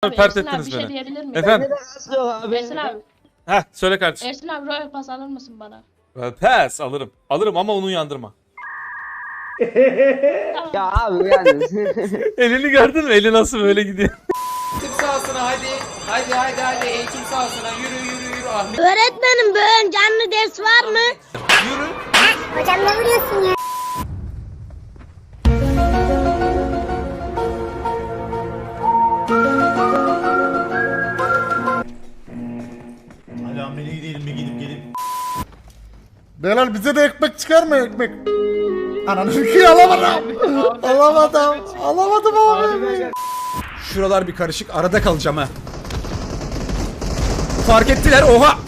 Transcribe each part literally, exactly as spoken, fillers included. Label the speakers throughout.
Speaker 1: pert
Speaker 2: Ersin abi
Speaker 1: ettiniz
Speaker 2: bir şey
Speaker 1: beni.
Speaker 2: diyebilir miyim?
Speaker 1: Efendim?
Speaker 2: Ersin abi.
Speaker 1: Heh söyle kardeşim.
Speaker 2: Ersin abi Royal Pass alır mısın bana?
Speaker 1: Pes alırım. Alırım ama onu yandırma.
Speaker 3: Ya abi yani.
Speaker 1: Elini gördün mü? Eli nasıl böyle gidiyor?
Speaker 4: Eğitim sahasına hadi. Hadi hadi hadi eğitim sahasına yürü yürü yürü Ahmet.
Speaker 5: Öğretmenim bugün canlı ders var mı?
Speaker 4: Yürü.
Speaker 5: Hocam ne vuruyorsun ya?
Speaker 6: Hadi amele gidelim bir gidip gelip.
Speaker 7: Beyler bize de ekmek çıkar mı ekmek? Ananı ki alamadım. Alamadım. Alamadım abi.
Speaker 4: Şuralar bir karışık arada kalacağım ha. Fark ettiler oha.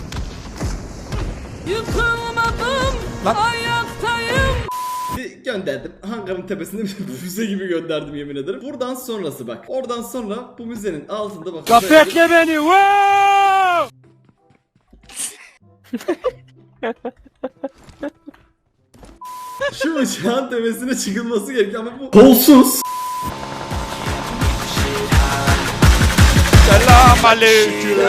Speaker 8: Yıkılmadım,
Speaker 4: Lan.
Speaker 8: ayaktayım.
Speaker 9: Gönderdim. Hangarın tepesinde bir füze gibi gönderdim yemin ederim. Buradan sonrası bak. Oradan sonra bu müzenin altında bak.
Speaker 4: Bekle beni. Wow!
Speaker 9: Şu uçağın tepesine çıkılması gerekiyor ama bu kolsuz.
Speaker 1: Selam aleyküm.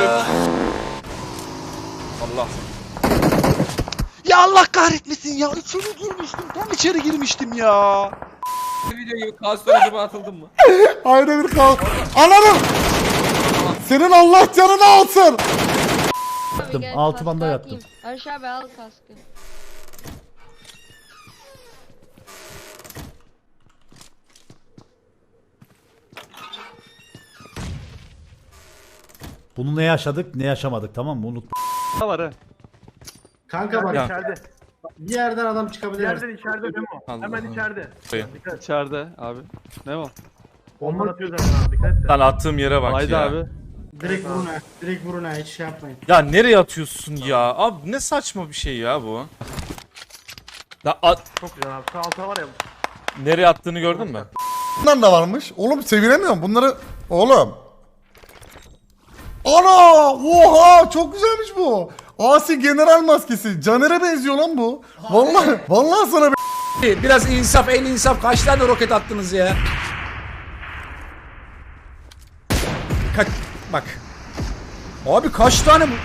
Speaker 1: Allah.
Speaker 10: Ya Allah kahretmesin ya. İçeri girmiştim. Tam içeri girmiştim ya.
Speaker 4: Videoyu kalsın acaba atıldın mı?
Speaker 7: Ayrı bir kal. Ananı. Senin Allah canını alsın.
Speaker 5: Yattım.
Speaker 6: altı banda yattım.
Speaker 5: Aşağı abi al kaskı.
Speaker 6: Bunu ne yaşadık ne yaşamadık, tamam mı? Unut.
Speaker 10: Var ha.
Speaker 7: Kanka bak
Speaker 1: Ya.
Speaker 7: içeride. Bir yerden adam çıkabilir.
Speaker 11: İçeride içeride Memo.
Speaker 1: Allah
Speaker 11: Hemen
Speaker 1: Allah.
Speaker 11: içeride.
Speaker 1: Şey.
Speaker 11: Dikkat.
Speaker 10: İçeride abi. Ne o?
Speaker 11: Bomba atıyor zaten abi dikkat et.
Speaker 1: Lan attığım yere bak
Speaker 10: Haydi
Speaker 1: ya.
Speaker 10: abi.
Speaker 7: Direkt vurun ha. Direkt vurun ha. Hiç şey yapmayın.
Speaker 1: Ya nereye atıyorsun ya? Abi ne saçma bir şey ya bu. Ya at,
Speaker 11: Çok güzel abi. Sağ alta var ya.
Speaker 1: nereye attığını gördün mü?
Speaker 7: Bunlar da varmış. Oğlum sevinemiyorum bunları. Oğlum. Ana! Oha! Çok güzelmiş bu. Asi general maskesi. Caner'e benziyor lan bu. Vallahi vallahi sana bir
Speaker 4: Biraz insaf en insaf kaç tane roket attınız ya? Kaç bak. Abi kaç tane bu?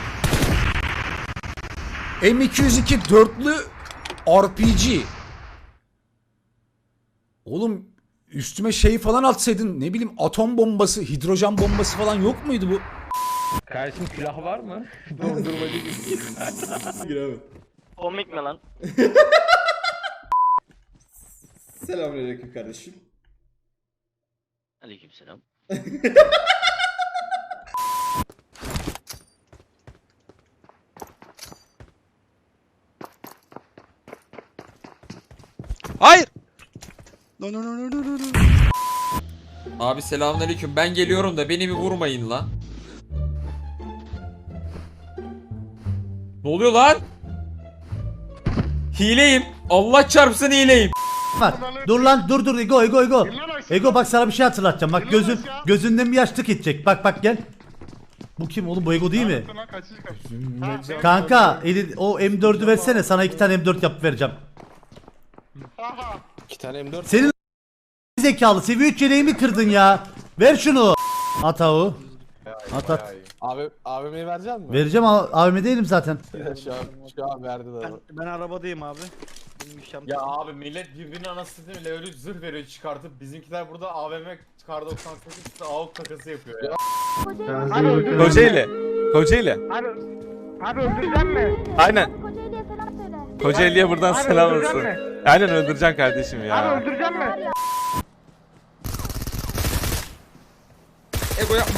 Speaker 4: M iki yüz iki dörtlü R P G. Oğlum üstüme şey falan atsaydın, ne bileyim atom bombası, hidrojen bombası falan yok muydu bu?
Speaker 11: Kardeşim silah var mı?
Speaker 9: Giremem.
Speaker 3: Komik mi lan?
Speaker 9: Selamünaleyküm kardeşim.
Speaker 3: Aleykümselam.
Speaker 10: Hayır. No no no no no no.
Speaker 4: Abi selamünaleyküm. Ben geliyorum da beni bir vurmayın lan. Ne oluyor lan? Hileyim. Allah çarpsın hileyim.
Speaker 6: Bak dur lan, dur dur Ego Ego Ego. Ego bak sana bir şey hatırlatacağım. Bak gözün gözünden bir yaşlık gidecek. Bak bak gel. Bu kim oğlum, bu Ego değil mi? Kanka eli, o M dördü versene, sana iki tane M dört yapıp vereceğim.
Speaker 10: İki tane M dört.
Speaker 6: Senin zekalı seviye üç yeleğimi kırdın ya. Ver şunu. At avu. At at.
Speaker 10: Abi abime verecek misin?
Speaker 6: Vereceğim, A V M değilim zaten.
Speaker 10: Şu an şu an verdi de.
Speaker 11: Ben arabadayım abi.
Speaker 12: Ya abi millet birbirinin anasını bile öyle zırh veriyor çıkartıp bizimkiler burada A V M kar doksan sekiz A U K takası yapıyor ya.
Speaker 1: Kocaeli. Kocaeli.
Speaker 11: Abi, abi öldüreceğim mi?
Speaker 1: Aynen.
Speaker 5: Kocaeli'ye selam söyle.
Speaker 1: Kocaeli'ye buradan
Speaker 11: Abi
Speaker 1: selam
Speaker 11: öldüreceğim
Speaker 1: olsun.
Speaker 11: mi?
Speaker 1: Aynen öldüreceksin kardeşim
Speaker 11: Abi
Speaker 1: ya.
Speaker 11: öldüreceğim mi?
Speaker 4: Ego yapma.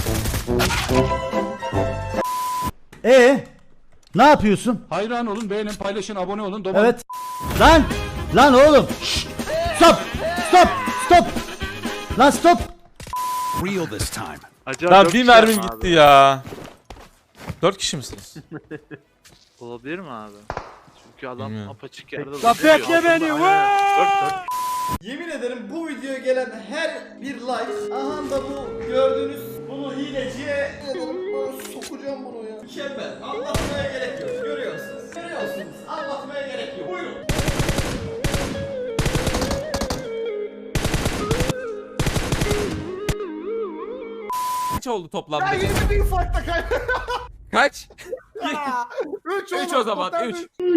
Speaker 6: Ee, ne yapıyorsun?
Speaker 11: Hayran olun, beğenin, paylaşın, abone olun.
Speaker 6: Evet. Lan! Lan oğlum! Şşt! Stop! Stop! Stop! Lan stop!
Speaker 10: Real this time.
Speaker 1: Lan bir mermim gitti ya. Dört kişi misiniz?
Speaker 11: Olabilir mi abi? Çünkü adam
Speaker 1: Bilmiyorum.
Speaker 11: apaçık yerde.
Speaker 4: Bekle beni.
Speaker 9: Yemin ederim bu videoya gelen her bir like, aha da bu gördüğünüz bunu hileciye sokacağım bunu ya. Mükemmel. Anlatmaya gerek yok. Görüyorsunuz. Görüyorsunuz. Anlatmaya gerek yok. Buyurun.
Speaker 13: kaç oldu toplamda?
Speaker 7: Ben yeni bir ufakta kaybettim.
Speaker 13: Kaç?
Speaker 7: üç
Speaker 13: üç o zaman üç.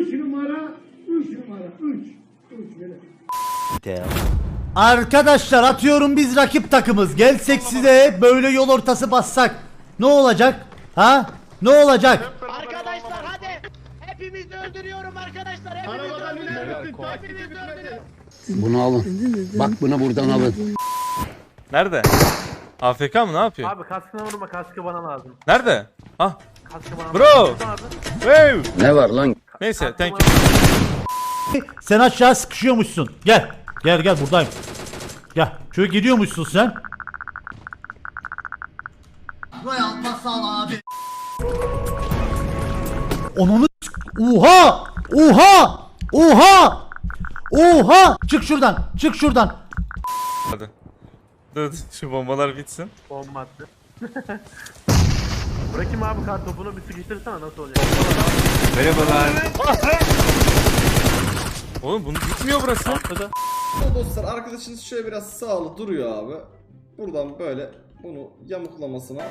Speaker 6: Arkadaşlar atıyorum biz rakip takımız. Gelsek size böyle yol ortası bassak. Ne olacak? Ha? Ne olacak?
Speaker 9: Arkadaşlar hadi. Hepimizi öldürüyorum arkadaşlar. Hepimizi öldürüyorum. Hepimizi öldürüyorum.
Speaker 10: Bunu alın. Bak bunu buradan alın.
Speaker 1: Nerede? A F K mı, ne yapıyor?
Speaker 11: Abi kaskına vurma, kaskı bana lazım.
Speaker 1: Nerede? Ah.
Speaker 11: Kaskı bana
Speaker 1: Bro.
Speaker 11: lazım.
Speaker 1: Hey.
Speaker 10: Ne var lan?
Speaker 1: Neyse, thank you.
Speaker 6: Sen aşağı sıkışıyormuşsun. Gel. Gel gel buradayım. Gel. Şöyle gidiyormuşsun sen.
Speaker 9: Royal Pasal abi.
Speaker 6: Onunu s- Oha! Oha! Oha! Oha! Çık şuradan. Çık şuradan.
Speaker 1: Hadi. Dur, şu bombalar bitsin.
Speaker 11: Bomba attı. Bırakayım abi kart topunu, bir sıkıştırsana nasıl olacak?
Speaker 1: Oğlum bunu bitmiyor burası.
Speaker 9: Dostlar arkadaşınız şöyle biraz sağlı duruyor abi. Buradan böyle bunu yamuklamasına.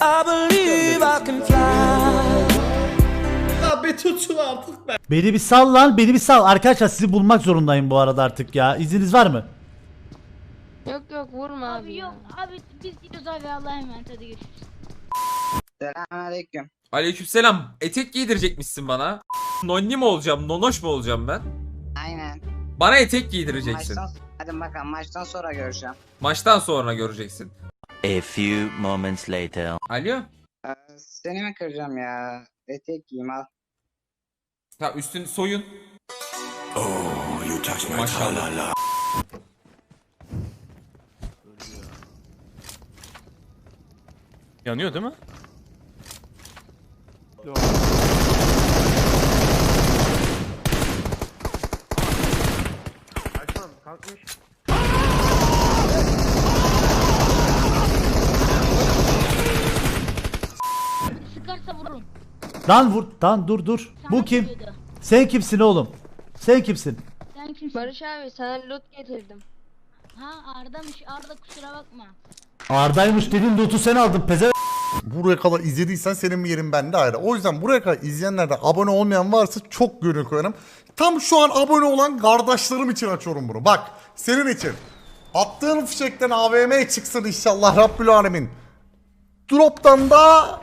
Speaker 9: Ya bir tutun artık be.
Speaker 6: Beni bir sal lan. Beni bir sal. Arkadaşlar sizi bulmak zorundayım bu arada artık ya. İzniniz var mı?
Speaker 5: Yok yok vurma abi.
Speaker 2: Abi yok abi biz gidiyoruz abi Allah'a emanet hadi görüşürüz.
Speaker 3: Selamünaleyküm.
Speaker 13: Aleykümselam. Etek giydirecekmişsin bana. Nonni mi olacağım, nonoş mu olacağım ben?
Speaker 3: Aynen.
Speaker 13: Bana etek giydireceksin.
Speaker 3: Maçtan, hadi bakalım maçtan sonra görüşeceğim.
Speaker 13: Maçtan sonra göreceksin.
Speaker 10: A few moments later.
Speaker 13: Alo?
Speaker 3: Ee, seni mi kıracağım ya? Etek giyeyim al.
Speaker 13: Ha, üstün soyun. Maşallah.
Speaker 1: Yanıyor değil mi?
Speaker 11: Açmam, kalkmış.
Speaker 2: Sıkarsa vururum.
Speaker 6: Lan vur. Lan dur dur. Bu kim? Sen kimsin oğlum? Sen kimsin?
Speaker 2: Sen kimsin?
Speaker 5: Barış abi sana loot getirdim.
Speaker 2: Ha Arda'mış Arda kusura bakma.
Speaker 6: Arda'ymış dedin loot'u sen aldın peze.
Speaker 7: Buraya kadar izlediysen senin yerin bende ayrı. O yüzden buraya kadar izleyenlerden abone olmayan varsa çok gönül koyarım. Tam şu an abone olan kardeşlerim için açıyorum bunu. Bak senin için. Attığın fişekten A V M çıksın inşallah Rabbül Alemin. Drop'tan da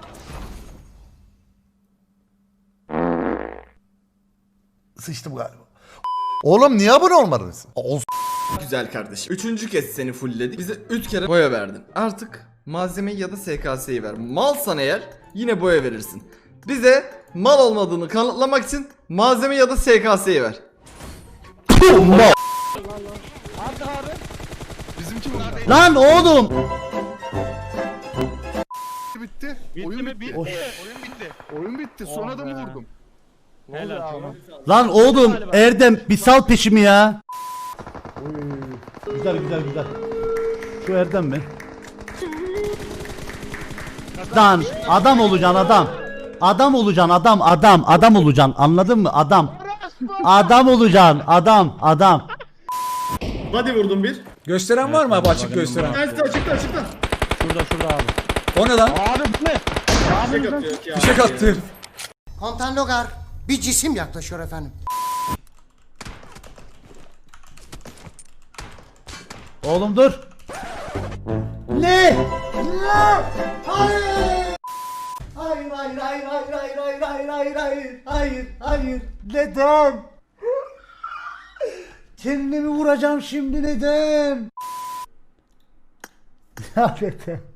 Speaker 7: sıçtım galiba. Oğlum niye abone olmadınız? Olsun.
Speaker 9: Güzel kardeşim. Üçüncü kez seni fullledik. Bize üç kere boya verdin. Artık malzemeyi ya da S K S'yi ver. Malsan eğer yine boya verirsin. Bize mal olmadığını kanıtlamak için malzeme ya da S K S'yi ver.
Speaker 6: Lan oğlum.
Speaker 7: Bitti. Oyun bitti. Oyun bitti. Oyun bitti. Son adamı vurdum.
Speaker 6: Lan oğlum Erdem bir sal peşimi ya. Güzel güzel güzel. Şu Erdem mi? Lan adam olacaksın adam. Adam olacaksın adam adam adam olacaksın anladın mı adam. Adam olacaksın adam adam.
Speaker 9: Hadi vurdum bir.
Speaker 4: Gösteren var mı abi, açık gösteren?
Speaker 9: Açıkta açıkta açıkta.
Speaker 6: Şurada şurada abi.
Speaker 4: O ne lan?
Speaker 9: Fişek atıyor ya.
Speaker 4: Fişek attı.
Speaker 9: Komutan Logar bir cisim yaklaşıyor efendim.
Speaker 6: Oğlum dur. Ne?
Speaker 9: Hayır hayır hayır hayır hayır hayır hayır hayır hayır
Speaker 6: Hayır hayır neden? Kendimi vuracağım şimdi neden? Ya neden?